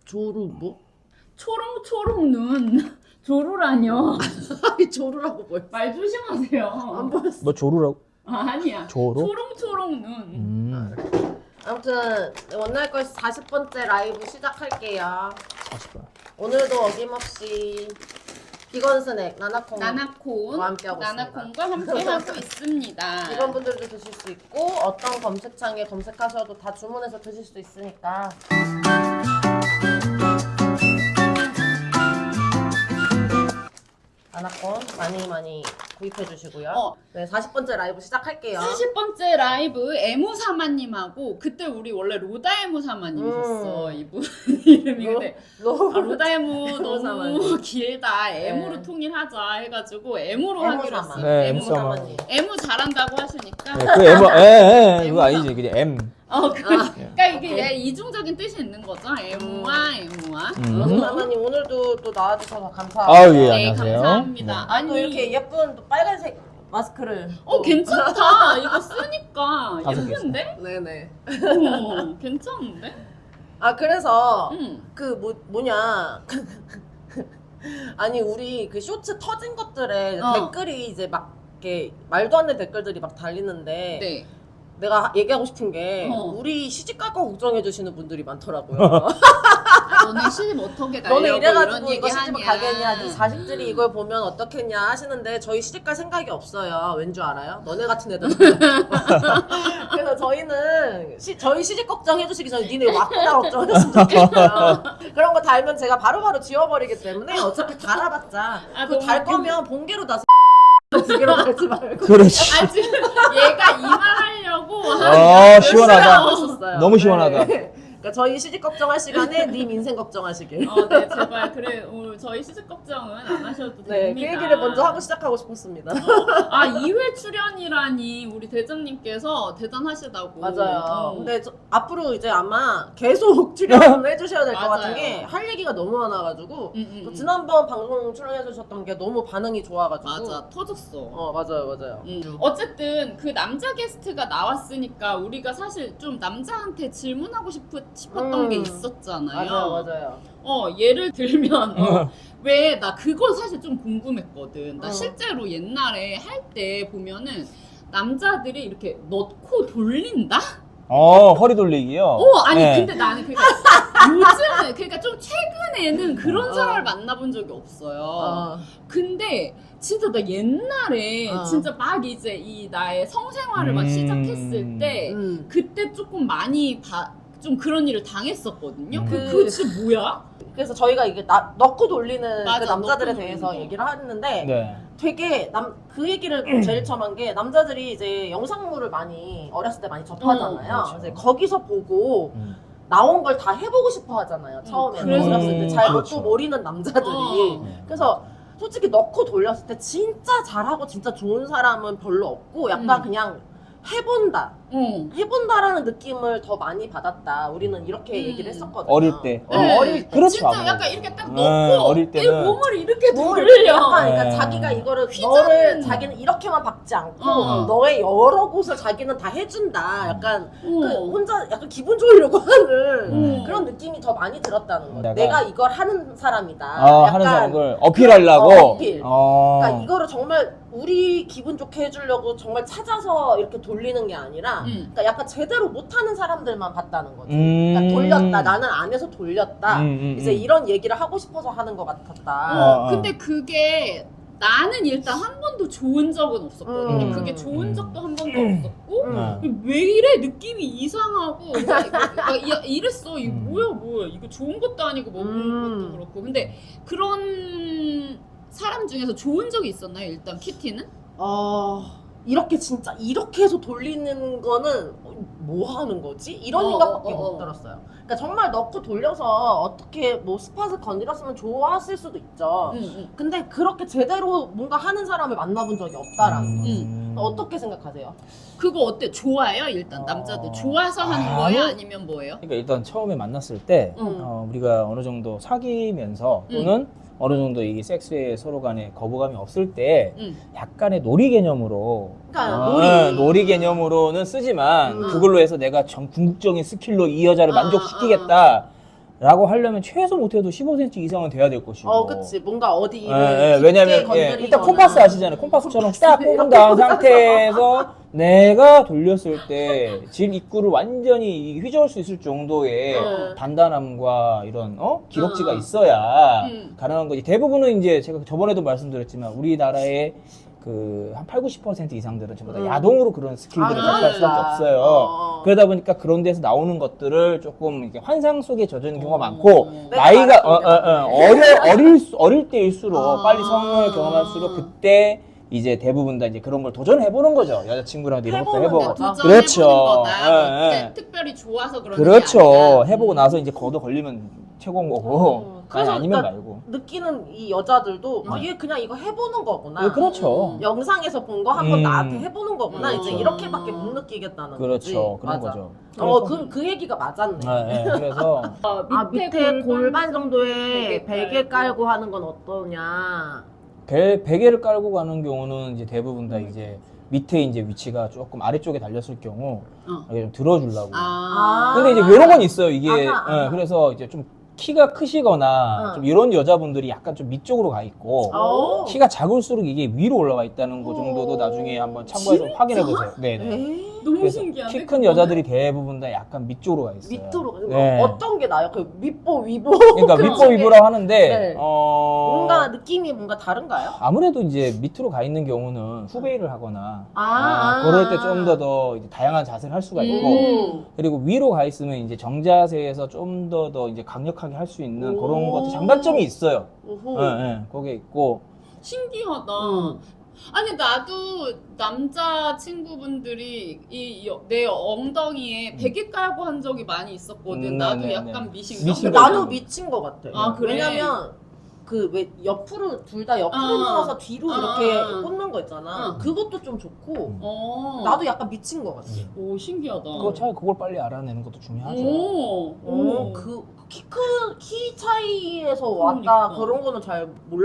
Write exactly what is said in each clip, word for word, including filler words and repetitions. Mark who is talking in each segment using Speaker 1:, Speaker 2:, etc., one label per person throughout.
Speaker 1: 조루 뭐?
Speaker 2: 초롱초롱 눈. 조루라뇨.
Speaker 1: 아니 조루라고 뭘?
Speaker 2: 말 조심하세요.
Speaker 1: 안 보였어.
Speaker 3: 뭐 조루라고?
Speaker 2: 아, 아니야.
Speaker 3: 조루?
Speaker 2: 초롱초롱 눈.
Speaker 3: 음.
Speaker 1: 아무튼 원날 걸 사십 번째 라이브 시작할게요.
Speaker 3: 사십 번.
Speaker 1: 오늘도 어김없이 비건 스낵 나나콩
Speaker 2: 나나콘.
Speaker 1: 함께하고
Speaker 2: 나나콘과 함께하고 있습니다.
Speaker 1: 이런 분들도 드실 수 있고 어떤 검색창에 검색하셔도 다 주문해서 드실 수 있으니까. 나나콘 많이 많이 구입해 주시고요.
Speaker 2: 어.
Speaker 1: 네, 사십 번째 라이브 시작할게요.
Speaker 2: 사십 번째 라이브 에무사마님하고 그때 우리 원래 로다에무사마님이셨어.
Speaker 1: 음.
Speaker 2: 이분 이름이
Speaker 1: 로-
Speaker 2: 근데
Speaker 1: 로-
Speaker 2: 아, 로다에무 너무
Speaker 1: 에무사마님.
Speaker 2: 길다. 에무로
Speaker 1: 네.
Speaker 2: 통일하자 해가지고 에무로 하기로
Speaker 1: 에무사마.
Speaker 2: 했어요.
Speaker 3: 네,
Speaker 2: 에무.
Speaker 3: 에무사마.
Speaker 1: 에무사마님.
Speaker 2: 에무 잘한다고 하시니까.
Speaker 3: 네, 그 M, 에, 에, 그거 아니지, 그냥 M.
Speaker 2: 어, 그,
Speaker 1: 아,
Speaker 2: 그러니까 이게
Speaker 1: 오케이.
Speaker 2: 얘 이중적인 뜻이 있는 거죠. 에무와 에무와.
Speaker 3: 음.
Speaker 1: 에무사마님 오늘도 또 나와주셔서 감사합니다.
Speaker 3: 아유, 예,
Speaker 2: 네,
Speaker 3: 안녕하세요.
Speaker 2: 감사합니다.
Speaker 3: 네.
Speaker 2: 아니,
Speaker 1: 또 이렇게 예쁜 또 빨간색 마스크를.
Speaker 2: 어
Speaker 1: 또.
Speaker 2: 괜찮다. 이거 쓰니까
Speaker 3: 다섯 개
Speaker 2: 예쁜데?
Speaker 1: 네네.
Speaker 2: 어, 괜찮은데?
Speaker 1: 아 그래서
Speaker 2: 응.
Speaker 1: 그 뭐 뭐냐 아니 우리 그 쇼츠 터진 것들에
Speaker 2: 어.
Speaker 1: 댓글이 이제 막 이렇게 말도 안 되는 댓글들이 막 달리는데
Speaker 2: 네.
Speaker 1: 내가 얘기하고 싶은 게
Speaker 2: 어.
Speaker 1: 우리 시집갈 거 걱정해 주시는 분들이 많더라고요.
Speaker 2: 아, 너네 시집 어떻게 가려고
Speaker 1: 너네
Speaker 2: 이런
Speaker 1: 이래가지고
Speaker 2: 얘기
Speaker 1: 이거 시집
Speaker 2: 하냐.
Speaker 1: 가겠냐, 네 자식들이 이걸 보면 어떻겠냐 하시는데 저희 시집갈 생각이 없어요. 왠 줄 알아요? 너네 같은 애들. 그래서 저희는 시, 저희 시집 걱정해 주시기 전에 니네 왔구나 걱정해줬으면 좋겠어요. 그런 거 달면 제가 바로바로 지워버리기 때문에 어차피 달아봤자
Speaker 2: 아,
Speaker 1: 그
Speaker 2: 너무
Speaker 1: 달
Speaker 2: 웃겨.
Speaker 1: 거면 봉개로 다 두 개로 달지 말고.
Speaker 3: 그렇지.
Speaker 2: 아 지금 얘가 이 말 하려고
Speaker 3: 아,
Speaker 2: 한
Speaker 3: 시원하다.
Speaker 2: 몇 시간
Speaker 1: 하셨어요.
Speaker 3: 너무 시원하다.
Speaker 1: 네. 그러니까 저희 시집 걱정할 시간에 님 인생 걱정하시길.
Speaker 2: 어, 네, 제발 그래. 어, 저희 시집 걱정은 안 하셔도
Speaker 1: 네, 그
Speaker 2: 됩니다.
Speaker 1: 얘기를 먼저 하고 시작하고 싶었습니다.
Speaker 2: 아, 이 회 출연이라니 우리 대장님께서 대단하시다고.
Speaker 1: 맞아요.
Speaker 2: 어.
Speaker 1: 근데 저, 앞으로 이제 아마 계속 출연을 해주셔야 될 것
Speaker 2: 맞아요.
Speaker 1: 같은 게 할 얘기가 너무 많아가지고
Speaker 2: 음, 음,
Speaker 1: 또
Speaker 2: 음.
Speaker 1: 지난번 방송 출연해주셨던 게 너무 반응이 좋아가지고
Speaker 2: 맞아, 터졌어.
Speaker 1: 어 맞아요 맞아요.
Speaker 2: 음. 어쨌든 그 남자 게스트가 나왔으니까 우리가 사실 좀 남자한테 질문하고 싶, 싶었던
Speaker 1: 음.
Speaker 2: 게 있었잖아요.
Speaker 1: 맞아요 맞아요.
Speaker 2: 어 예를 들면 어, 왜 나 그거 사실 좀 궁금했거든. 나
Speaker 1: 어.
Speaker 2: 실제로 옛날에 할 때 보면은 남자들이 이렇게 넣고 돌린다?
Speaker 3: 어, 허리 돌리기요?
Speaker 2: 어 아니
Speaker 3: 네.
Speaker 2: 근데 나는 그러니까 요즘은 그러니까 좀 최근에는 그런
Speaker 1: 어.
Speaker 2: 사람을 만나본 적이 없어요.
Speaker 1: 어.
Speaker 2: 근데 진짜 나 옛날에
Speaker 1: 어.
Speaker 2: 진짜 막 이제 이 나의 성생활을 막
Speaker 3: 음.
Speaker 2: 시작했을 때
Speaker 1: 음.
Speaker 2: 그때 조금 많이 봐, 좀 그런 일을 당했었거든요.
Speaker 3: 음.
Speaker 2: 그, 그거 진짜 뭐야?
Speaker 1: 그래서 저희가 이게 나, 넣고 돌리는
Speaker 2: 맞아,
Speaker 1: 그 남자들에
Speaker 2: 넣고
Speaker 1: 대해서
Speaker 2: 돌리는 거.
Speaker 1: 얘기를 하는데
Speaker 3: 네.
Speaker 1: 되게 남 그 얘기를 제일 처음 한 게 남자들이 이제 영상물을 많이 어렸을 때 많이 접하잖아요.
Speaker 3: 어, 그렇죠.
Speaker 1: 이제 거기서 보고
Speaker 3: 음.
Speaker 1: 나온 걸 다 해보고 싶어 하잖아요. 처음에는
Speaker 2: 그래서-
Speaker 1: 어렸을 때 잘
Speaker 3: 그렇죠.
Speaker 1: 먹고 모르는 남자들이.
Speaker 2: 어.
Speaker 1: 그래서 솔직히 넣고 돌렸을 때 진짜 잘하고 진짜 좋은 사람은 별로 없고 약간
Speaker 2: 음.
Speaker 1: 그냥 해본다.
Speaker 2: 어.
Speaker 1: 해본다라는 느낌을 더 많이 받았다. 우리는 이렇게
Speaker 2: 음.
Speaker 1: 얘기를 했었거든요.
Speaker 3: 어릴 때.
Speaker 1: 어,
Speaker 2: 네.
Speaker 1: 어릴 때.
Speaker 3: 그렇죠.
Speaker 2: 진짜
Speaker 3: 아무래도.
Speaker 2: 약간 이렇게 딱
Speaker 3: 네,
Speaker 2: 넣고
Speaker 3: 어릴
Speaker 2: 이
Speaker 3: 때는
Speaker 2: 몸을 이렇게
Speaker 1: 몸을
Speaker 2: 돌려.
Speaker 1: 약간 그러니까
Speaker 3: 네.
Speaker 1: 자기가 이거를
Speaker 2: 휘저는-
Speaker 1: 너를 자기는 이렇게만 박지 않고
Speaker 2: 어.
Speaker 1: 너의 여러 곳을 자기는 다 해준다. 약간 그
Speaker 2: 어.
Speaker 1: 혼자 약간 기분 좋으려고 하는
Speaker 2: 음.
Speaker 1: 그런 느낌이 더 많이 들었다는 거예요.
Speaker 3: 내가-
Speaker 1: 내가 이걸 하는 사람이다.
Speaker 3: 아,
Speaker 1: 약간
Speaker 3: 하는 사람을 어필하려고?
Speaker 1: 어, 어필.
Speaker 3: 어.
Speaker 1: 그러니까 이거를 정말 우리 기분 좋게 해주려고 정말 찾아서 이렇게 돌리는 게 아니라
Speaker 2: 음.
Speaker 1: 그러니까 약간 제대로 못하는 사람들만 봤다는 거지.
Speaker 3: 음.
Speaker 1: 그러니까 돌렸다. 나는 안에서 돌렸다.
Speaker 3: 음, 음,
Speaker 1: 이제
Speaker 3: 음.
Speaker 1: 이런 얘기를 하고 싶어서 하는 것 같았다.
Speaker 2: 어,
Speaker 3: 어, 어.
Speaker 2: 근데 그게 나는 일단 한 번도 좋은 적은 없었거든요.
Speaker 1: 음.
Speaker 2: 그게 좋은
Speaker 3: 음.
Speaker 2: 적도 한 번도 없었고
Speaker 1: 음.
Speaker 2: 왜 이래 느낌이 이상하고 막 이거- 막 이- 이랬어. 이거
Speaker 3: 음.
Speaker 2: 뭐야 뭐야 이거 좋은 것도 아니고 먹는
Speaker 1: 음.
Speaker 2: 것도 그렇고. 근데 그런 사람 중에서 좋은 적이 있었나요? 일단 키티는?
Speaker 1: 어, 이렇게 진짜 이렇게 해서 돌리는 거는 뭐 하는 거지? 이런
Speaker 2: 어,
Speaker 1: 생각밖에
Speaker 2: 어, 어,
Speaker 1: 못
Speaker 2: 어.
Speaker 1: 들었어요. 그러니까 정말 넣고 돌려서 어떻게 뭐 스팟을 건드렸으면 좋았을 수도 있죠.
Speaker 2: 응, 응.
Speaker 1: 근데 그렇게 제대로 뭔가 하는 사람을 만나본 적이 없다라는 거지.
Speaker 3: 음.
Speaker 1: 어떻게 생각하세요?
Speaker 2: 그거 어때? 좋아요? 일단
Speaker 3: 어.
Speaker 2: 남자들 좋아서 하는
Speaker 3: 아,
Speaker 2: 거예요?
Speaker 3: 아니요.
Speaker 2: 아니면 뭐예요?
Speaker 3: 그러니까 일단 처음에 만났을 때
Speaker 1: 음.
Speaker 3: 어, 우리가 어느 정도 사귀면서
Speaker 2: 음.
Speaker 3: 또는 어느 정도 이 섹스에 서로 간에 거부감이 없을 때
Speaker 2: 응.
Speaker 3: 약간의 놀이 개념으로
Speaker 1: 그러니까
Speaker 3: 어,
Speaker 1: 놀이.
Speaker 3: 놀이 개념으로는 쓰지만
Speaker 1: 음.
Speaker 3: 그걸로 해서 내가 전 궁극적인 스킬로 이 여자를
Speaker 2: 아,
Speaker 3: 만족시키겠다 라고 하려면 최소 못해도 십오 센티미터 이상은 돼야 될 것이고.
Speaker 1: 어, 그치. 뭔가 어디를
Speaker 3: 예, 예,
Speaker 1: 깊게
Speaker 3: 왜냐면 예,
Speaker 1: 건드리거나.
Speaker 3: 일단 콤파스 아시잖아요. 콤파스처럼 딱 꼽은 다음 상태에서 내가 돌렸을 때 질 입구를 완전히 휘저을 수 있을 정도의
Speaker 1: 음.
Speaker 3: 단단함과 이런 어 기록지가
Speaker 2: 음.
Speaker 3: 있어야
Speaker 2: 음.
Speaker 3: 가능한 거지. 대부분은 이제 제가 저번에도 말씀드렸지만 우리나라의 그 한 팔, 구십 퍼센트 이상들은 전부 다
Speaker 1: 음.
Speaker 3: 야동으로 그런 스킬들을
Speaker 1: 아,
Speaker 3: 접할 수밖에
Speaker 1: 그러니까.
Speaker 3: 없어요.
Speaker 1: 어.
Speaker 3: 그러다 보니까 그런 데서 나오는 것들을 조금 이렇게 환상 속에 젖은 경우가
Speaker 2: 어.
Speaker 3: 많고
Speaker 2: 내가
Speaker 3: 나이가 어, 어,
Speaker 1: 알았던
Speaker 3: 어, 어려 어릴 수- 어릴 때일수록
Speaker 1: 아.
Speaker 3: 빨리 성을 경험할수록 그때 이제 대부분 다 이제 그런 걸 도전해 보는 거죠. 여자친구랑 이런 것도
Speaker 1: 해보는
Speaker 3: 해보고.
Speaker 1: 거죠.
Speaker 2: 도전해보는
Speaker 3: 그렇죠.
Speaker 2: 거다.
Speaker 3: 예,
Speaker 2: 이제
Speaker 3: 예.
Speaker 2: 특별히 좋아서 그런 게
Speaker 3: 그렇죠.
Speaker 2: 아니라.
Speaker 3: 해보고
Speaker 2: 음.
Speaker 3: 나서 이제 거도 걸리면 최고인 거고.
Speaker 1: 어,
Speaker 3: 아니,
Speaker 1: 그래서
Speaker 3: 아니면
Speaker 1: 그러니까
Speaker 3: 말고.
Speaker 1: 느끼는 이 여자들도 아,
Speaker 2: 음.
Speaker 1: 얘 그냥 이거 해보는 거구나.
Speaker 3: 예, 그렇죠.
Speaker 2: 음.
Speaker 1: 영상에서 본 거 한번
Speaker 3: 음.
Speaker 1: 나한테 해보는 거구나.
Speaker 2: 음.
Speaker 1: 이제 이렇게밖에 못 느끼겠다는 거지.
Speaker 3: 그렇죠. 그런
Speaker 1: 맞아.
Speaker 3: 거죠.
Speaker 1: 어,
Speaker 3: 그래서-
Speaker 1: 그, 그 얘기가 맞았네.
Speaker 3: 예, 예. 그래서
Speaker 2: 어,
Speaker 1: 아, 밑에 골반 정도에
Speaker 2: 베개
Speaker 1: 베개
Speaker 2: 깔고.
Speaker 1: 깔고 하는 건 어떠냐.
Speaker 3: 배, 베개를 깔고 가는 경우는 이제 대부분 다 이제 밑에 이제 위치가 조금 아래쪽에 달렸을 경우
Speaker 2: 어.
Speaker 3: 이렇게 좀 들어주려고.
Speaker 2: 아.
Speaker 3: 근데 이제 이런 건 있어요. 이게
Speaker 1: 아하, 아하.
Speaker 3: 예, 그래서 이제 좀 키가 크시거나
Speaker 1: 응.
Speaker 3: 좀 이런 여자분들이 약간 좀 밑쪽으로 가 있고
Speaker 1: 어.
Speaker 3: 키가 작을수록 이게 위로 올라가 있다는 거 정도도
Speaker 1: 오.
Speaker 3: 나중에 한번 참고해서 좀 확인해 보세요. 네. 네.
Speaker 1: 에이,
Speaker 2: 너무
Speaker 3: 그래서
Speaker 2: 신기하네.
Speaker 3: 키 큰 여자들이 대부분 다 약간 밑쪽으로 가 있어요.
Speaker 1: 밑으로.
Speaker 3: 네.
Speaker 1: 어떤 게 나요? 그 밑보, 위보.
Speaker 3: 그러니까
Speaker 1: 그런
Speaker 3: 밑보
Speaker 1: 게
Speaker 3: 위보라고 하는데
Speaker 1: 네.
Speaker 3: 어
Speaker 1: 뭔가 느낌이 뭔가 다른가요?
Speaker 3: 아무래도 이제 밑으로 가 있는 경우는 후베이를 하거나
Speaker 1: 아,
Speaker 3: 아, 그럴 때 좀 더 더 다양한 자세를 할 수가 있고
Speaker 1: 음.
Speaker 3: 그리고 위로 가 있으면 이제 정자세에서 좀 더 더 이제 강력하게 할 수 있는
Speaker 1: 오.
Speaker 3: 그런 것도 장단점이 있어요.
Speaker 1: 오호.
Speaker 3: 예, 예, 거기에 있고
Speaker 2: 신기하다.
Speaker 1: 음.
Speaker 2: 아니 나도 남자 친구분들이 이 내 엉덩이에 베개 깔고 한 적이 많이 있었거든.
Speaker 3: 음,
Speaker 2: 나도
Speaker 3: 네네네.
Speaker 2: 약간 미신가.
Speaker 3: 미신
Speaker 1: 근데
Speaker 3: 거죠.
Speaker 1: 나도 미친 것 같아.
Speaker 2: 아, 그래?
Speaker 1: 왜냐면 그 왜 옆으로 둘 다 옆으로
Speaker 2: 어.
Speaker 1: 누워서 뒤로
Speaker 2: 어,
Speaker 1: 이렇게
Speaker 2: 어.
Speaker 1: 꽂는 거 있잖아.
Speaker 2: 어.
Speaker 1: 그것도 좀 좋고
Speaker 2: 어.
Speaker 1: 나도 약간 미친 것 같아.
Speaker 2: 오 신기하다.
Speaker 3: 그거 차라리 그걸 빨리 알아내는 것도 중요하죠.
Speaker 2: 오.
Speaker 1: 오, 그 키 큰 키 차이에서
Speaker 2: 그러니까.
Speaker 1: 왔다 그런 거는 잘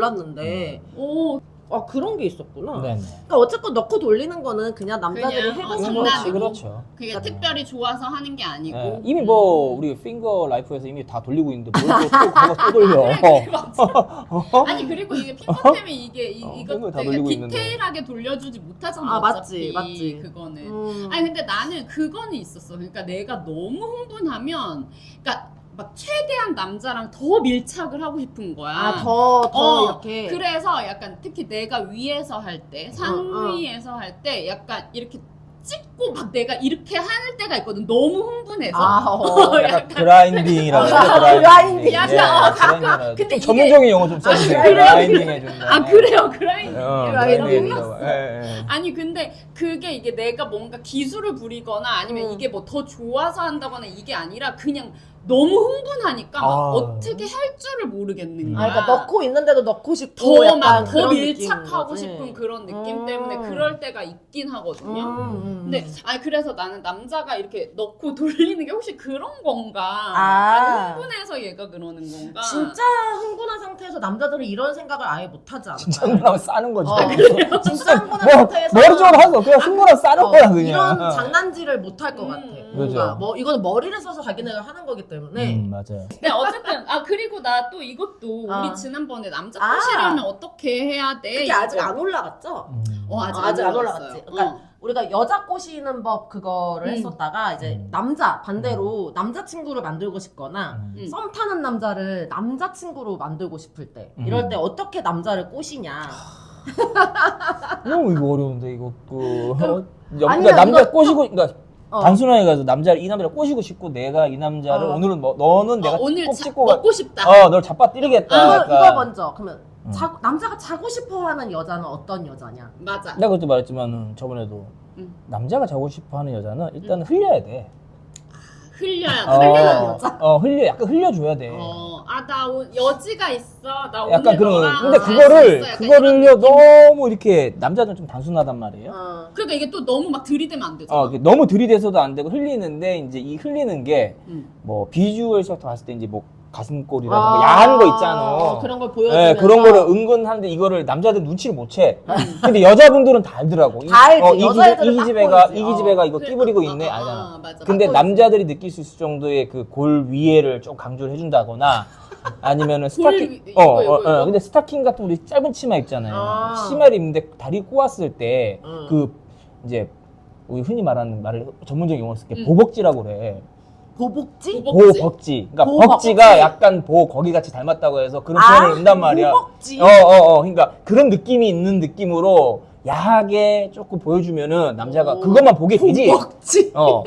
Speaker 1: 몰랐는데
Speaker 2: 오.
Speaker 1: 아 그런 게 있었구나.
Speaker 3: 네네.
Speaker 1: 그러니까 어쨌건 넣고 돌리는 거는 그냥 남자들이
Speaker 2: 그냥, 어,
Speaker 1: 해보는
Speaker 2: 장난이고.
Speaker 1: 거지.
Speaker 3: 그렇지, 그렇죠.
Speaker 2: 그게 특별히 좋아서 하는 게 아니고.
Speaker 3: 예, 이미 뭐 우리 핑거 라이프에서 이미 다 돌리고 있는데 뭘 또 또 그거 또 돌려.
Speaker 2: 그래, 맞아. 아니 그리고 이게 핑거템이 이게 이,
Speaker 3: 어,
Speaker 2: 이거
Speaker 3: 핑거 다
Speaker 2: 되게
Speaker 3: 돌리고 있는데.
Speaker 2: 디테일하게 돌려주지 못하잖아.
Speaker 1: 아,
Speaker 2: 어차피
Speaker 1: 맞지, 맞지.
Speaker 2: 그거는.
Speaker 1: 음.
Speaker 2: 아니 근데 나는 그거는 있었어. 그러니까 내가 너무 흥분하면, 그러니까 막 최대한 남자랑 더 밀착을 하고 싶은 거야.
Speaker 1: 아, 더, 더
Speaker 2: 어,
Speaker 1: 이렇게.
Speaker 2: 그래서 약간 특히 내가 위에서 할 때, 상위에서 할 때 약간 이렇게 찍고 막 내가 이렇게 할 때가 있거든. 너무 흥분해서.
Speaker 1: 아, 어.
Speaker 3: 약간 그라인딩이라고 하죠.
Speaker 1: 아,
Speaker 3: 그라인딩.
Speaker 1: 그라인딩.
Speaker 2: 약간, 어,
Speaker 3: 그라인딩이라고.
Speaker 2: 근데
Speaker 3: 좀
Speaker 2: 이게-
Speaker 3: 전문적인 용어 좀 써주세요.
Speaker 2: 아, 그래요?
Speaker 3: 그라인딩 해준다.
Speaker 2: 아 그래요, 그라인딩.
Speaker 3: 어,
Speaker 1: 그라인딩
Speaker 3: 그라인딩
Speaker 1: 몰랐어.
Speaker 3: 해준다고. 예, 예.
Speaker 2: 아니 근데 그게 이게 내가 뭔가 기술을 부리거나 아니면
Speaker 1: 음.
Speaker 2: 이게 뭐 더 좋아서 한다거나 이게 아니라 그냥 너무 흥분하니까 막
Speaker 3: 아.
Speaker 2: 어떻게 할 줄을 모르겠는
Speaker 3: 음.
Speaker 2: 거야.
Speaker 1: 아, 그러니까 넣고 있는데도 넣고 싶고
Speaker 2: 더
Speaker 1: 약간
Speaker 2: 막 더
Speaker 1: 그런
Speaker 2: 밀착하고
Speaker 1: 느낌인
Speaker 2: 싶은
Speaker 1: 거지.
Speaker 2: 그런 느낌
Speaker 1: 음.
Speaker 2: 때문에 그럴 때가 있긴 하거든요.
Speaker 1: 음, 음.
Speaker 2: 근데 아니 그래서 나는 남자가 이렇게 넣고 돌리는 게 혹시 그런 건가?
Speaker 1: 아.
Speaker 2: 아니, 흥분해서 얘가 그러는 건가?
Speaker 1: 진짜 흥분한 상태에서 남자들은 이런 생각을 아예 못 하지 않을까요?
Speaker 3: 진짜 흥분하면 싸는 거지.
Speaker 1: 어, 진짜 흥분한
Speaker 3: 뭐,
Speaker 1: 상태에서
Speaker 3: 머리쪽으로 하서 그냥 흥분하면 싸는
Speaker 1: 어,
Speaker 3: 거야, 그냥.
Speaker 1: 이런 장난질을 못 할 것
Speaker 2: 음,
Speaker 1: 같아.
Speaker 2: 음.
Speaker 1: 뭔가
Speaker 3: 그죠.
Speaker 1: 뭐 이거는 머리를 써서 자기네가 하는 거기 때문에
Speaker 3: 음, 맞아요.
Speaker 2: 네, 어쨌든 아 그리고 나 또 이것도
Speaker 1: 아.
Speaker 2: 우리 지난번에 남자
Speaker 1: 아.
Speaker 2: 꼬시려면 어떻게 해야 돼?
Speaker 1: 그게 아직
Speaker 2: 이거.
Speaker 1: 안 올라갔죠?
Speaker 3: 음.
Speaker 2: 어 아직,
Speaker 1: 어, 아직 안
Speaker 2: 올라갔어요.
Speaker 1: 올라갔지. 그러니까
Speaker 2: 어.
Speaker 1: 우리가 여자 꼬시는 법 그거를
Speaker 2: 음.
Speaker 1: 했었다가 이제
Speaker 3: 음.
Speaker 1: 남자 반대로 남자친구를 만들고 싶거나
Speaker 3: 음.
Speaker 2: 음.
Speaker 1: 썸 타는 남자를 남자친구로 만들고 싶을 때
Speaker 3: 음.
Speaker 1: 이럴 때 어떻게 남자를 꼬시냐.
Speaker 3: 너무 이거 어려운데, 이거. 그. 여-
Speaker 1: 아니야,
Speaker 3: 그러니까 남자
Speaker 1: 이거
Speaker 3: 꼬시고, 그러니까
Speaker 1: 어.
Speaker 3: 단순하게 가서 남자를, 이 남자를 꼬시고 싶고, 내가 이 남자를
Speaker 1: 어.
Speaker 3: 오늘은 뭐, 너는 내가
Speaker 2: 어, 오늘
Speaker 3: 꼭
Speaker 2: 자,
Speaker 3: 찍고 가.
Speaker 2: 먹고 싶다.
Speaker 3: 어, 널 잡아 때리겠다.
Speaker 1: 이거,
Speaker 3: 약간.
Speaker 1: 이거 먼저 그러면
Speaker 3: 음.
Speaker 1: 자, 남자가 자고 싶어하는 여자는 어떤 여자냐?
Speaker 2: 맞아.
Speaker 3: 내가 그때 말했지만 저번에도
Speaker 2: 음.
Speaker 3: 남자가 자고 싶어하는 여자는 일단 은 흘려야 돼.
Speaker 2: 흘려야
Speaker 3: 어,
Speaker 2: 돼.
Speaker 1: 흘리는 여자?
Speaker 3: 어, 흘려, 약간 흘려줘야 돼.
Speaker 2: 어, 아, 나 오, 여지가 있어. 나
Speaker 3: 약간
Speaker 2: 오늘
Speaker 3: 그런 거.
Speaker 2: 너랑
Speaker 3: 근데
Speaker 2: 잘수
Speaker 3: 그거를
Speaker 2: 있어. 약간
Speaker 3: 그거를
Speaker 2: 이런 느낌.
Speaker 3: 너무 이렇게 남자는 좀 단순하단 말이에요.
Speaker 1: 어.
Speaker 2: 그러니까 이게 또 너무 막 들이대면 안 되잖아.
Speaker 3: 어, 이렇게 너무 들이대서도 안 되고 흘리는데 이제 이 흘리는 게
Speaker 2: 음.
Speaker 3: 뭐 비주얼에서 봤을 때 이제 뭐 가슴골이라든가 야한 거 있잖아.
Speaker 1: 어, 그런 걸 보여주면서.
Speaker 3: 네, 그런 거를 은근 하는데 이거를 남자들 눈치를 못 채. 근데 여자분들은 다 알더라고. 이-
Speaker 1: 다 알지.
Speaker 3: 어, 이 기집애,
Speaker 1: 여자애들은
Speaker 3: 이
Speaker 1: 딱
Speaker 3: 기집애가
Speaker 1: 보이지.
Speaker 3: 이 기집애가
Speaker 1: 어.
Speaker 3: 이거
Speaker 2: 그래,
Speaker 3: 끼부리고
Speaker 2: 어,
Speaker 3: 있네
Speaker 2: 어,
Speaker 3: 알잖아.
Speaker 2: 어, 맞아.
Speaker 3: 근데
Speaker 1: 딱
Speaker 3: 남자들이 느낄 수 있을 정도의 그 골 위에를 좀 강조를 해준다거나 아니면은 스타킹
Speaker 2: 위-
Speaker 3: 어,
Speaker 2: 이거,
Speaker 3: 어,
Speaker 2: 이거,
Speaker 3: 어,
Speaker 2: 이거?
Speaker 3: 근데 스타킹 같은 우리 짧은 치마 입잖아요.
Speaker 1: 아.
Speaker 3: 치마를 입는데 다리 꼬았을 때
Speaker 1: 음.
Speaker 3: 그 이제 우리 흔히 말하는 말을 전문적인 용어로 쓸게
Speaker 2: 음.
Speaker 3: 보복지라고 그래.
Speaker 1: 보복지?
Speaker 2: 보복-
Speaker 3: 보복지. 그러니까
Speaker 1: 보복-
Speaker 3: 벅지가
Speaker 1: 벅지.
Speaker 3: 약간 보 거기 같이 닮았다고 해서 그런
Speaker 1: 아,
Speaker 3: 표현을 한단 말이야.
Speaker 1: 보복지.
Speaker 3: 어, 어, 어. 그러니까 그런 느낌이 있는 느낌으로 야하게 조금 보여주면은 남자가
Speaker 1: 오.
Speaker 3: 그것만 보게 되지.
Speaker 1: 보복지.
Speaker 3: 어.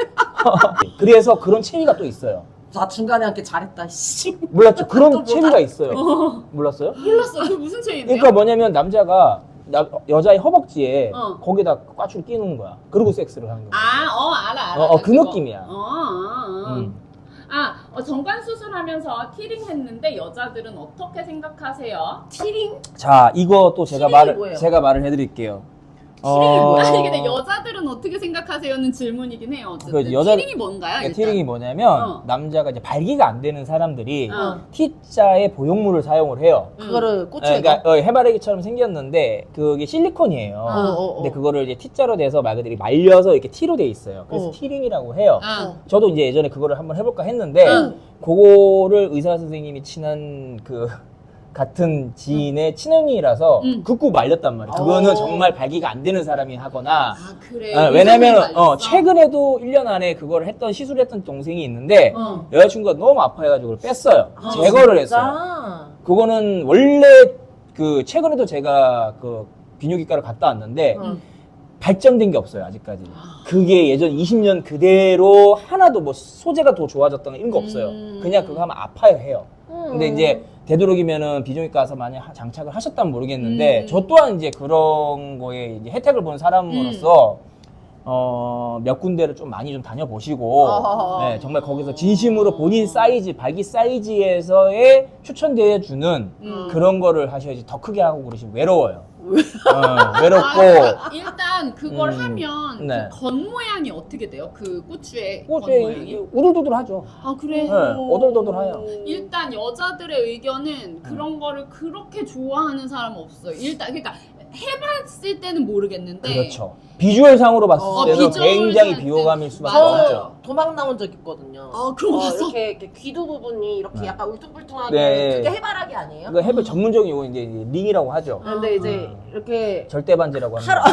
Speaker 3: 그래서 그런 체위가 또 있어요.
Speaker 1: 나 중간에 함께 잘했다. 씨.
Speaker 3: 몰랐죠?
Speaker 1: 또
Speaker 3: 그런
Speaker 1: 뭐다?
Speaker 3: 체위가 있어요. 몰랐어요?
Speaker 2: 몰랐어. 그 무슨 체인데요?
Speaker 3: 그러니까 뭐냐면 남자가 나, 여자의 허벅지에
Speaker 2: 어.
Speaker 3: 거기다 꽈추를 끼는 거야. 그리고 섹스를 하는 거야.
Speaker 2: 아, 어, 알아, 알아.
Speaker 3: 어, 어,
Speaker 2: 나
Speaker 3: 그
Speaker 2: 그거.
Speaker 3: 느낌이야.
Speaker 2: 어, 어, 어.
Speaker 3: 음.
Speaker 2: 아, 어, 정관 수술하면서 티링 했는데 여자들은 어떻게 생각하세요?
Speaker 1: 티링?
Speaker 3: 자, 이거 또 제가
Speaker 1: 티링이
Speaker 3: 말을
Speaker 1: 뭐예요?
Speaker 3: 제가 말을 해드릴게요.
Speaker 1: 티링이 뭐야?
Speaker 2: 아니 근데 여자들은 어떻게 생각하세요는 질문이긴 해요. 어쨌든
Speaker 3: 그렇지, 여자-
Speaker 2: 티링이 뭔가요?
Speaker 3: 그러니까
Speaker 2: 일단?
Speaker 3: 티링이 뭐냐면
Speaker 2: 어.
Speaker 3: 남자가 이제 발기가 안 되는 사람들이
Speaker 2: 어.
Speaker 3: T자의 보형물을 사용을 해요.
Speaker 1: 그거를 꽂혀
Speaker 3: 예,
Speaker 1: 있
Speaker 3: 그러니까 어, 해바라기처럼 생겼는데 그게 실리콘이에요.
Speaker 1: 어, 어, 어.
Speaker 3: 근데 그거를 이제 T자로 돼서 말 그대로 말려서 이렇게 T로 돼 있어요. 그래서
Speaker 1: 어.
Speaker 3: 티링이라고 해요.
Speaker 2: 아.
Speaker 3: 저도 이제 예전에 그거를 한번 해볼까 했는데
Speaker 2: 응.
Speaker 3: 그거를 의사 선생님이 친한 그 같은 지인의 친언니라서
Speaker 2: 응.
Speaker 3: 극구 말렸단 말이에요. 그거는
Speaker 1: 어.
Speaker 3: 정말 발기가 안 되는 사람이 하거나
Speaker 2: 아 그래.
Speaker 3: 어, 왜냐면 어, 최근에도 일 년 안에 그걸 했던 시술을 했던 동생이 있는데
Speaker 2: 어.
Speaker 3: 여자친구가 너무 아파해가지고 그걸 뺐어요.
Speaker 1: 아,
Speaker 3: 제거를
Speaker 1: 진짜?
Speaker 3: 했어요. 그거는 원래 그 최근에도 제가 그 비뇨기과를 갔다 왔는데
Speaker 1: 응.
Speaker 3: 발전된 게 없어요 아직까지. 그게 예전 이십 년 그대로 하나도 뭐 소재가 더 좋아졌다는 이런 거 없어요.
Speaker 2: 음.
Speaker 3: 그냥 그거 하면 아파요 해요. 근데
Speaker 1: 음.
Speaker 3: 이제 되도록이면은 비뇨기과 가서 만약 하- 장착을 하셨다면 모르겠는데
Speaker 2: 음.
Speaker 3: 저 또한 이제 그런 거에 이제 혜택을 본 사람으로서 어, 몇 군데를 좀 많이 좀 다녀보시고
Speaker 1: 어허허.
Speaker 3: 네, 정말 거기서 진심으로 본인 사이즈, 발기 사이즈에서의 추천되어 주는
Speaker 2: 음.
Speaker 3: 그런 거를 하셔야지 더 크게 하고 그러시면 외로워요. 어,
Speaker 2: 아,
Speaker 3: 외롭고
Speaker 2: 그러니까 일단 그걸
Speaker 3: 음.
Speaker 2: 하면
Speaker 3: 네.
Speaker 2: 그 겉모양이 어떻게 돼요? 그 꼬추의
Speaker 3: 꽃에
Speaker 2: 겉모양이?
Speaker 3: 우들두들하죠.
Speaker 2: 아 그래?
Speaker 3: 네, 오돌도돌해요.
Speaker 2: 일단 여자들의 의견은 그런 거를 그렇게 좋아하는 사람은 없어요. 일단 그러니까 해봤을 때는 모르겠는데
Speaker 3: 그렇죠. 비주얼상으로 봤을
Speaker 1: 어,
Speaker 3: 때는
Speaker 2: 비주얼
Speaker 3: 굉장히
Speaker 2: 상
Speaker 3: 비호감일 수밖에
Speaker 2: 맞아요.
Speaker 3: 없죠.
Speaker 1: 저 도망 나온 적 있거든요.
Speaker 2: 아, 그런 거
Speaker 1: 어,
Speaker 2: 봤어?
Speaker 1: 이렇게, 이렇게 귀두 부분이 이렇게
Speaker 3: 네.
Speaker 1: 약간 울퉁불퉁하게
Speaker 3: 네.
Speaker 1: 그게 해바라기 아니에요?
Speaker 3: 그 해외 전문적인 용어 이제 링이라고 하죠.
Speaker 1: 근데 이제
Speaker 3: 음.
Speaker 1: 이렇게
Speaker 3: 절대반지라고 합니다.
Speaker 1: 하러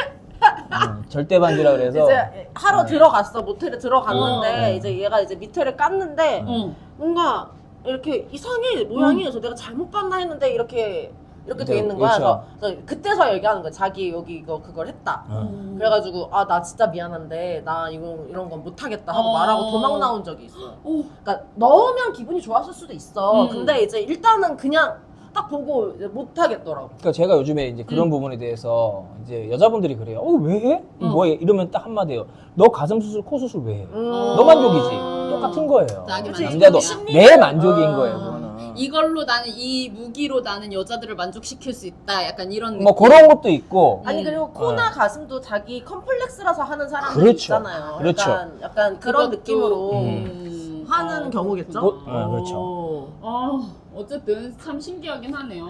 Speaker 3: 음, 절대반지라 그래서
Speaker 1: 이제 하러
Speaker 3: 네.
Speaker 1: 들어갔어 모텔에 들어갔는데
Speaker 3: 어.
Speaker 1: 이제 얘가 이제 밑에를 깠는데
Speaker 2: 어.
Speaker 1: 뭔가 이렇게 이상해 모양이 그래서 내가 잘못 봤나 했는데 이렇게 이렇게 돼
Speaker 3: 네,
Speaker 1: 있는 거야.
Speaker 3: 그렇죠.
Speaker 1: 그래서, 그래서 그때서 얘기하는 거야. 자기 여기 이거 그걸 했다.
Speaker 3: 어.
Speaker 1: 그래가지고 아 나 진짜 미안한데 나 이거 이런 건 못하겠다 하고
Speaker 2: 어.
Speaker 1: 말하고 도망 나온 적이 있어.
Speaker 2: 오.
Speaker 1: 그러니까 넣으면 기분이 좋았을 수도 있어.
Speaker 2: 음.
Speaker 1: 근데 이제 일단은 그냥 딱 보고 이제 못하겠더라고.
Speaker 3: 그러니까 제가 요즘에 이제 그런
Speaker 2: 음.
Speaker 3: 부분에 대해서 이제 여자분들이 그래요. 어, 왜 해?
Speaker 2: 어.
Speaker 3: 뭐해? 이러면 딱 한마디예요. 너 가슴 수술, 코 수술 왜 해?
Speaker 1: 음.
Speaker 3: 너 만족이지. 똑같은 거예요.
Speaker 2: 자기
Speaker 1: 그치,
Speaker 3: 남자도
Speaker 1: 심리는-
Speaker 3: 내 만족인
Speaker 1: 어.
Speaker 3: 거예요. 그거는.
Speaker 2: 이걸로 나는 이 무기로 나는 여자들을 만족시킬 수 있다. 약간 이런
Speaker 3: 뭐
Speaker 2: 느낌.
Speaker 3: 그런 것도 있고.
Speaker 1: 아니
Speaker 2: 음.
Speaker 1: 그리고 코나 가슴도 자기 컴플렉스라서 하는 사람들이
Speaker 3: 그렇죠.
Speaker 1: 있잖아요.
Speaker 3: 그렇죠.
Speaker 1: 약간, 약간 그런
Speaker 2: 그것도,
Speaker 1: 느낌으로
Speaker 2: 음.
Speaker 1: 하는
Speaker 2: 어,
Speaker 1: 경우겠죠.
Speaker 3: 뭐- 네, 그렇죠.
Speaker 1: 오.
Speaker 2: 아, 어쨌든 참 신기하긴 하네요.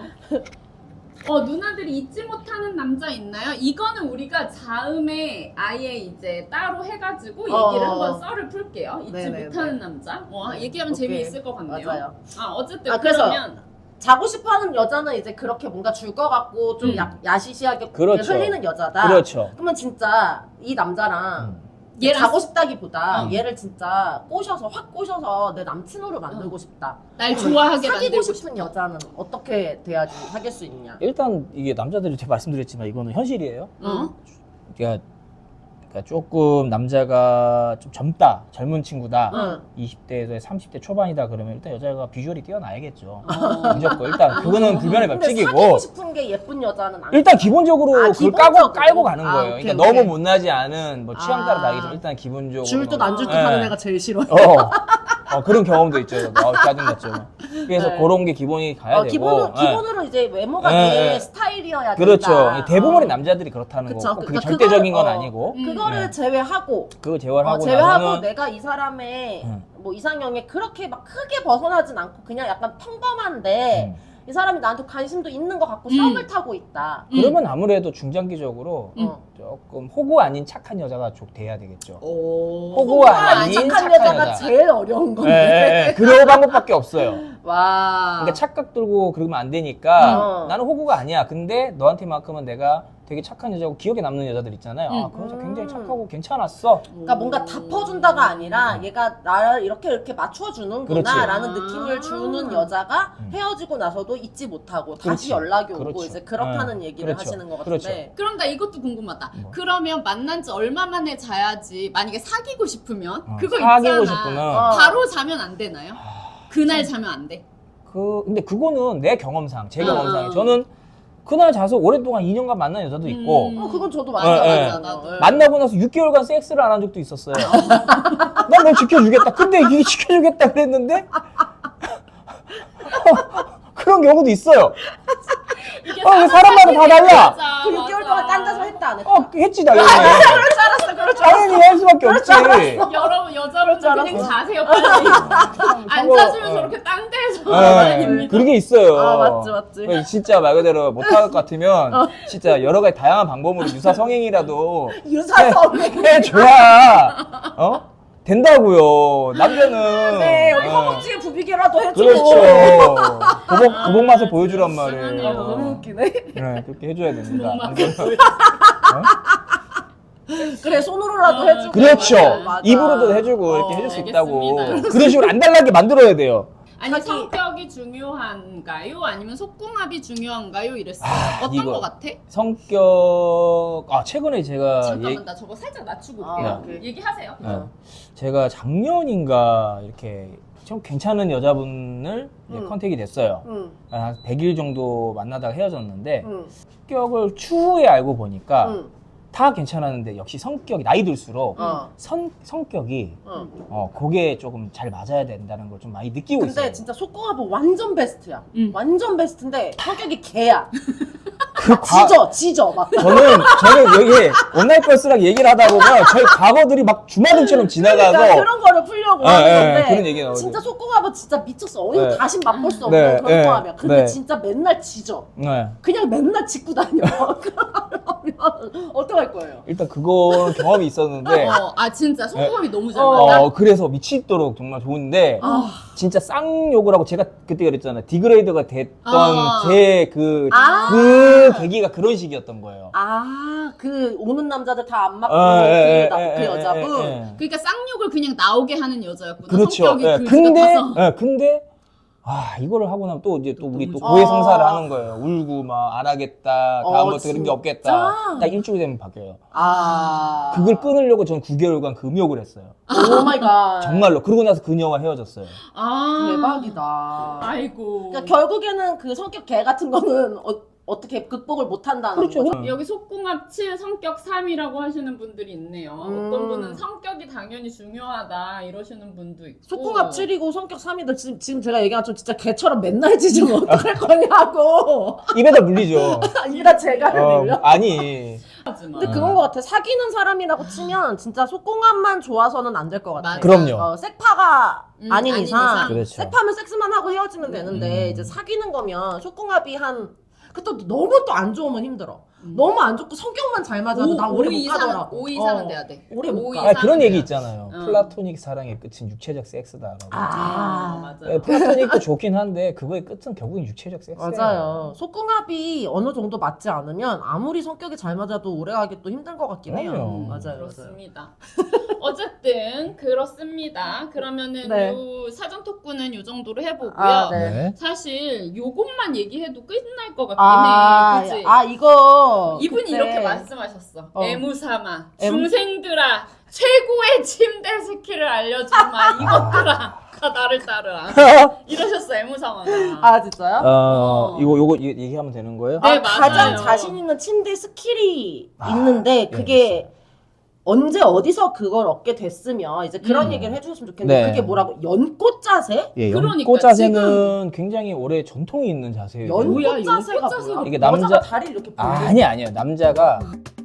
Speaker 2: 어, 누나들이 잊지 못하는 남자 있나요? 이거는 우리가 다음에 아예 이제 따로 해가지고 얘기를
Speaker 1: 어.
Speaker 2: 한번 썰을 풀게요. 잊지
Speaker 1: 네네네.
Speaker 2: 못하는 남자. 어, 얘기하면
Speaker 1: 오케이.
Speaker 2: 재미있을 것 같네요.
Speaker 1: 맞아요.
Speaker 2: 아, 어쨌든
Speaker 1: 아, 그래서
Speaker 2: 그러면
Speaker 1: 자고 싶어하는 여자는 이제 그렇게 뭔가 줄 것 같고 좀
Speaker 2: 음.
Speaker 1: 야, 야시시하게
Speaker 3: 그렇죠.
Speaker 1: 흘리는 여자다.
Speaker 3: 그렇죠.
Speaker 1: 그러면 진짜 이 남자랑
Speaker 3: 음.
Speaker 2: 얘랑
Speaker 1: 자고 싶다기보다
Speaker 2: 어.
Speaker 1: 얘를 진짜 꼬셔서 확 꼬셔서 내 남친으로 만들고 싶다.
Speaker 2: 날 좋아하게
Speaker 1: 사귀고
Speaker 2: 만들고
Speaker 1: 싶은 여자는 어떻게 돼야지 사귈 수 있냐?
Speaker 3: 일단 이게 남자들이 제가 말씀드렸지만 이거는 현실이에요.
Speaker 2: 어?
Speaker 3: 그러니까, 그러니까 조금 남자가 좀 젊다, 젊은 친구다,
Speaker 1: 응.
Speaker 3: 이십 대에서 삼십 대 초반이다 그러면 일단 여자가 비주얼이 뛰어나야겠죠.
Speaker 2: 어.
Speaker 3: 무조건 일단 그거는 불변의
Speaker 1: 근데
Speaker 3: 법칙이고
Speaker 1: 사귀고 싶은 게 예쁜 여자는 안
Speaker 3: 일단 기본적으로
Speaker 1: 아,
Speaker 3: 그걸
Speaker 1: 기본적으로?
Speaker 3: 까고 깔고 가는
Speaker 1: 아,
Speaker 3: 거예요.
Speaker 1: 오케이,
Speaker 3: 그러니까
Speaker 1: 오케이.
Speaker 3: 너무 못나지 않은 뭐 취향 따라
Speaker 1: 아.
Speaker 3: 다르겠지만 일단 기본적으로
Speaker 1: 줄듯 안 줄듯
Speaker 3: 네.
Speaker 1: 하는 애가 제일 싫어.
Speaker 3: 어, 어, 그런 경험도 있죠. 아, 짜증났죠. 그래서
Speaker 1: 네.
Speaker 3: 그런 게 기본이 가야
Speaker 1: 어,
Speaker 3: 되고.
Speaker 1: 기본으로,
Speaker 3: 예.
Speaker 1: 기본으로 이제 외모가
Speaker 3: 네,
Speaker 1: 내
Speaker 3: 네.
Speaker 1: 스타일이어야
Speaker 3: 그렇죠.
Speaker 1: 된다.
Speaker 3: 대부분의
Speaker 1: 어.
Speaker 3: 남자들이 그렇다는
Speaker 1: 그쵸.
Speaker 3: 거고 그게
Speaker 1: 그러니까
Speaker 3: 절대적인
Speaker 1: 그걸,
Speaker 3: 건
Speaker 1: 어,
Speaker 3: 아니고
Speaker 2: 음.
Speaker 1: 그거를
Speaker 3: 네.
Speaker 1: 제외하고
Speaker 3: 그거 제어하고
Speaker 1: 어, 제외하고
Speaker 3: 나서는
Speaker 1: 내가 이 사람의
Speaker 3: 음.
Speaker 1: 뭐 이상형에 그렇게 막 크게 벗어나진 않고 그냥 약간 평범한데
Speaker 3: 음.
Speaker 1: 이 사람이 나한테 관심도 있는 것 같고
Speaker 2: 음.
Speaker 1: 썸을 타고 있다.
Speaker 2: 음.
Speaker 3: 그러면 아무래도 중장기적으로
Speaker 2: 음.
Speaker 1: 어.
Speaker 3: 조금 호구 아닌 착한 여자가 좀 돼야 되겠죠.
Speaker 1: 오.
Speaker 3: 호구 아닌
Speaker 1: 착한
Speaker 3: 착한
Speaker 1: 여자가
Speaker 3: 여자.
Speaker 1: 제일 어려운
Speaker 3: 예,
Speaker 1: 건데.
Speaker 3: 예, 예. 그런 방법밖에 없어요.
Speaker 1: 와.
Speaker 3: 그러니까 착각 들고 그러면 안 되니까
Speaker 1: 어.
Speaker 3: 나는 호구가 아니야. 근데 너한테만큼은 내가 되게 착한 여자고 기억에 남는 여자들 있잖아요. 아,
Speaker 2: 음.
Speaker 3: 그 여자 굉장히
Speaker 1: 음.
Speaker 3: 착하고 괜찮았어.
Speaker 1: 그러니까 뭔가 다 퍼준다가 아니라 얘가 나를 이렇게 이렇게 맞춰주는구나
Speaker 3: 그렇지.
Speaker 1: 라는
Speaker 2: 아.
Speaker 1: 느낌을 주는 여자가
Speaker 3: 음.
Speaker 1: 헤어지고 나서도 잊지 못하고
Speaker 3: 그렇지.
Speaker 1: 다시 연락이 오고
Speaker 3: 그렇죠.
Speaker 1: 이제 그렇다는
Speaker 3: 음.
Speaker 1: 얘기를
Speaker 3: 그렇죠.
Speaker 1: 하시는 것
Speaker 3: 그렇죠.
Speaker 1: 같은데
Speaker 2: 그럼 나 이것도 궁금하다.
Speaker 3: 뭐?
Speaker 2: 그러면 만난 지 얼마 만에 자야지 만약에 사귀고 싶으면
Speaker 3: 어,
Speaker 2: 그거
Speaker 3: 사귀고
Speaker 2: 있잖아.
Speaker 3: 싶으면
Speaker 1: 어.
Speaker 2: 바로 자면 안 되나요?
Speaker 3: 아,
Speaker 2: 그날 자면 안 돼.
Speaker 3: 그 근데 그거는 내 경험상, 제
Speaker 2: 어,
Speaker 3: 경험상에
Speaker 2: 어.
Speaker 3: 저는 그날 자서 오랫동안 이 년간 만난 여자도 있고
Speaker 2: 음.
Speaker 1: 어, 그건 저도
Speaker 2: 맞아,
Speaker 1: 맞아
Speaker 3: 예,
Speaker 1: 맞아
Speaker 2: 예.
Speaker 1: 나도 예.
Speaker 3: 만나고 나서 육 개월간 섹스를 안 한 적도 있었어요. 난 널 지켜주겠다. 근데 이게 지켜주겠다 그랬는데 그런 경우도 있어요.
Speaker 2: 이게
Speaker 3: 어, 사람마다 다 달라.
Speaker 2: 맞아,
Speaker 1: 그 육 개월
Speaker 2: 맞아.
Speaker 1: 동안 딴 데서 했다 안 했다?
Speaker 3: 어, 했지 당연히.
Speaker 1: 그럴 알았어 그럴 줄 알았어
Speaker 3: 당연히 할 수밖에 없지.
Speaker 2: 여러분 여자분들
Speaker 1: 줄
Speaker 2: 그냥
Speaker 1: 알았어.
Speaker 2: 자세요 빨리. 앉아주면
Speaker 3: 어.
Speaker 2: 저렇게 땅 대서
Speaker 3: 네,
Speaker 2: 다닙니다.
Speaker 3: 그런 게 있어요.
Speaker 1: 아, 맞지, 맞지.
Speaker 3: 그래서 진짜 말 그대로 못할 것 같으면 진짜 여러 가지 다양한 방법으로 유사 성행이라도
Speaker 1: 유사성
Speaker 3: 해줘야 어 된다고요. 남자는
Speaker 1: 네 여기
Speaker 3: 어,
Speaker 1: 허벅지에 부비게라도 해주고
Speaker 3: 그렇죠. 보복 보복 맛을 보여주란 말이에요.
Speaker 2: 불쌍하네요.
Speaker 1: 너무 웃기네
Speaker 3: 네, 그렇게 해줘야 됩니다.
Speaker 2: 보복
Speaker 3: 안
Speaker 2: 맛을
Speaker 3: 그러면-
Speaker 1: 그래 손으로라도
Speaker 2: 어,
Speaker 1: 해주고
Speaker 3: 그렇죠.
Speaker 1: 맞아.
Speaker 3: 입으로도 해주고 이렇게
Speaker 1: 어,
Speaker 3: 해줄 수 있다고.
Speaker 2: 알겠습니다.
Speaker 3: 그런 식으로 안 달라게 만들어야 돼요.
Speaker 2: 아니
Speaker 1: 자기-
Speaker 2: 성격이 중요한가요? 아니면 속궁합이 중요한가요? 이랬어요.
Speaker 3: 아,
Speaker 2: 어떤
Speaker 3: 이거-
Speaker 2: 거 같아?
Speaker 3: 성격 아 최근에 제가
Speaker 2: 잠깐만
Speaker 3: 얘-
Speaker 2: 나 저거 살짝 낮추고
Speaker 1: 아,
Speaker 2: 올게요.
Speaker 1: 오케이.
Speaker 2: 얘기하세요.
Speaker 3: 네. 제가 작년인가 이렇게 좀 괜찮은 여자분을 이제
Speaker 1: 음.
Speaker 3: 컨택이 됐어요.
Speaker 1: 응,
Speaker 3: 한 백 일 정도 만나다가 헤어졌는데
Speaker 1: 응,
Speaker 3: 성격을 추후에 알고 보니까
Speaker 1: 응.
Speaker 3: 다 괜찮았는데 역시 성격이 나이 들수록
Speaker 1: 어.
Speaker 3: 선, 성격이
Speaker 1: 어.
Speaker 3: 어 그게 조금 잘 맞아야 된다는 걸 좀 많이 느끼고
Speaker 1: 근데
Speaker 3: 있어요.
Speaker 1: 진짜 속궁합은 완전 베스트야.
Speaker 2: 응.
Speaker 1: 완전 베스트인데 성격이 개야.
Speaker 3: 그 과-
Speaker 1: 지져, 지져 막.
Speaker 3: 저는 저는 여기 온라인 걸스랑 얘기를 하다 보면 저희 과거들이 막 주마등처럼 지나가서
Speaker 1: 그러니까 그런 거를 풀려고
Speaker 3: 예,
Speaker 1: 하는
Speaker 3: 예,
Speaker 1: 건데
Speaker 3: 그런 얘기 나오죠.
Speaker 1: 진짜 속궁합은 진짜 미쳤어. 어디
Speaker 3: 네.
Speaker 1: 다시 맛볼 수 없는
Speaker 3: 네,
Speaker 1: 그런
Speaker 3: 네,
Speaker 1: 궁합이야. 근데
Speaker 3: 네.
Speaker 1: 진짜 맨날 지져.
Speaker 3: 네.
Speaker 1: 그냥 맨날 짚고 다녀. 그러면 어떡할 거예요?
Speaker 3: 일단 그거는 경험이 있었는데
Speaker 2: 어, 아 진짜 속궁합이 너무 잘
Speaker 1: 어.
Speaker 2: 맞다.
Speaker 3: 어 그래서 미치도록 정말 좋은데
Speaker 1: 아,
Speaker 3: 진짜 쌍욕을 하고 제가 그때 그랬잖아요. 디그레이드가 됐던
Speaker 2: 아.
Speaker 3: 제 그 그
Speaker 1: 아.
Speaker 3: 계기가 그런 식이었던 거예요.
Speaker 1: 아, 그 오는 남자들 다 안 맞고
Speaker 3: 어, 예,
Speaker 1: 그,
Speaker 3: 예,
Speaker 1: 나-
Speaker 3: 예,
Speaker 1: 그
Speaker 3: 예,
Speaker 1: 여자분.
Speaker 3: 예, 예.
Speaker 2: 그러니까 쌍욕을 그냥 나오게 하는 여자였구나.
Speaker 3: 그렇죠.
Speaker 2: 성격이
Speaker 3: 예,
Speaker 2: 그
Speaker 3: 근데
Speaker 2: 가서.
Speaker 3: 예, 근데 아 이거를 하고 나면 또 이제 또 우리 또
Speaker 2: 너무
Speaker 3: 고해
Speaker 1: 좋아.
Speaker 3: 성사를 하는 거예요. 울고 막 안 하겠다.
Speaker 1: 어,
Speaker 3: 다음부터 그런 게 없겠다.
Speaker 1: 진짜?
Speaker 3: 딱 일주일 되면 바뀌어요.
Speaker 1: 아.
Speaker 3: 그걸 끊으려고 전 구 개월간 금욕을 했어요.
Speaker 1: 오 마이 갓.
Speaker 3: 정말로. 그러고 나서 그녀와 헤어졌어요.
Speaker 2: 아
Speaker 1: 대박이다.
Speaker 2: 아이고.
Speaker 1: 그러니까 결국에는 그 성격 개 같은 거는 어, 어떻게 극복을 못 한다는
Speaker 3: 그렇죠.
Speaker 1: 거죠.
Speaker 2: 여기 속궁합 칠 성격 삼이라고 하시는 분들이 있네요.
Speaker 1: 음.
Speaker 2: 어떤 분은 성격이 당연히 중요하다 이러시는 분도 있고.
Speaker 1: 속궁합 칠이고 성격 삼이들 지금, 지금 제가 얘기한 좀 진짜 개처럼 맨날 짖으면 어떡할 거냐고.
Speaker 3: 입에다 물리죠.
Speaker 1: 이라 제가
Speaker 3: 어,
Speaker 1: 밀려.
Speaker 3: 아니.
Speaker 2: 하지만.
Speaker 1: 근데 그건 것 같아. 사귀는 사람이라고 치면 진짜 속궁합만 좋아서는 안 될 것 같아.
Speaker 2: 맞아.
Speaker 3: 그럼요.
Speaker 1: 어, 색파가
Speaker 2: 음,
Speaker 1: 아닌
Speaker 2: 아닌
Speaker 1: 이상.
Speaker 2: 이상.
Speaker 3: 그렇죠.
Speaker 1: 색파면 섹스만 하고 헤어지면 되는데
Speaker 3: 음.
Speaker 1: 이제 사귀는 거면 속궁합이 한 그 또 너무 또 안 좋으면 힘들어.
Speaker 2: 음.
Speaker 1: 너무 안 좋고 성격만 잘 맞아도 난 오래 못
Speaker 2: 이상은
Speaker 1: 가더라고.
Speaker 2: 오 이상은
Speaker 1: 어.
Speaker 2: 돼야 돼.
Speaker 1: 오래 못
Speaker 2: 오
Speaker 1: 가.
Speaker 3: 아,
Speaker 2: 이상은
Speaker 3: 그런 얘기
Speaker 2: 돼야
Speaker 3: 있잖아요.
Speaker 2: 어.
Speaker 3: 플라토닉 사랑의 끝은 육체적 섹스다라고.
Speaker 1: 아,
Speaker 2: 아, 맞아.
Speaker 3: 예, 플라토닉도 좋긴 한데 그거의 끝은 결국은 육체적 섹스예요.
Speaker 1: 맞아요. 속궁합이 어느 정도 맞지 않으면 아무리 성격이 잘 맞아도 오래가기 또 힘든 것 같긴 해요.
Speaker 3: 그럼요.
Speaker 1: 맞아요, 맞아요.
Speaker 2: 그렇습니다. 어쨌든 그렇습니다. 그러면은
Speaker 1: 네.
Speaker 2: 요 사전 토크는 요 정도로 해보고요.
Speaker 1: 아, 네.
Speaker 3: 네.
Speaker 2: 사실 요것만 얘기해도 끝날 것 같긴
Speaker 1: 아,
Speaker 2: 해. 그치?
Speaker 1: 아 이거
Speaker 2: 이분이
Speaker 1: 그때
Speaker 2: 이렇게 말씀하셨어.
Speaker 1: 어.
Speaker 2: 애무삼아,
Speaker 1: 애무-
Speaker 2: 중생들아, 최고의 침대 스킬을 알려주마. 이것들아, 가 나를 따르라. 이러셨어, 애무삼아가.
Speaker 1: 아 진짜요?
Speaker 3: 어, 이거 요거 이- 얘기하면 되는 거예요?
Speaker 2: 네,
Speaker 1: 아, 가장
Speaker 2: 맞아요.
Speaker 1: 자신 있는 침대 스킬이
Speaker 3: 아,
Speaker 1: 있는데
Speaker 3: 예,
Speaker 1: 그게 언제 어디서 그걸 얻게 됐으면 이제 그런
Speaker 2: 음.
Speaker 1: 얘기를 해주셨으면 좋겠는데
Speaker 3: 네.
Speaker 1: 그게 뭐라고 연꽃 자세?
Speaker 3: 예,
Speaker 2: 그러니까
Speaker 3: 연꽃 자세는 굉장히 오래 전통이 있는 자세예요.
Speaker 2: 뭐야,
Speaker 1: 연꽃 자세가
Speaker 2: 연꽃 자세가
Speaker 1: 뭐야?
Speaker 3: 이게 남자-
Speaker 1: 여자가 다리를 이렇게
Speaker 3: 아,
Speaker 1: 벌리고
Speaker 3: 아니 아니에요. 남자가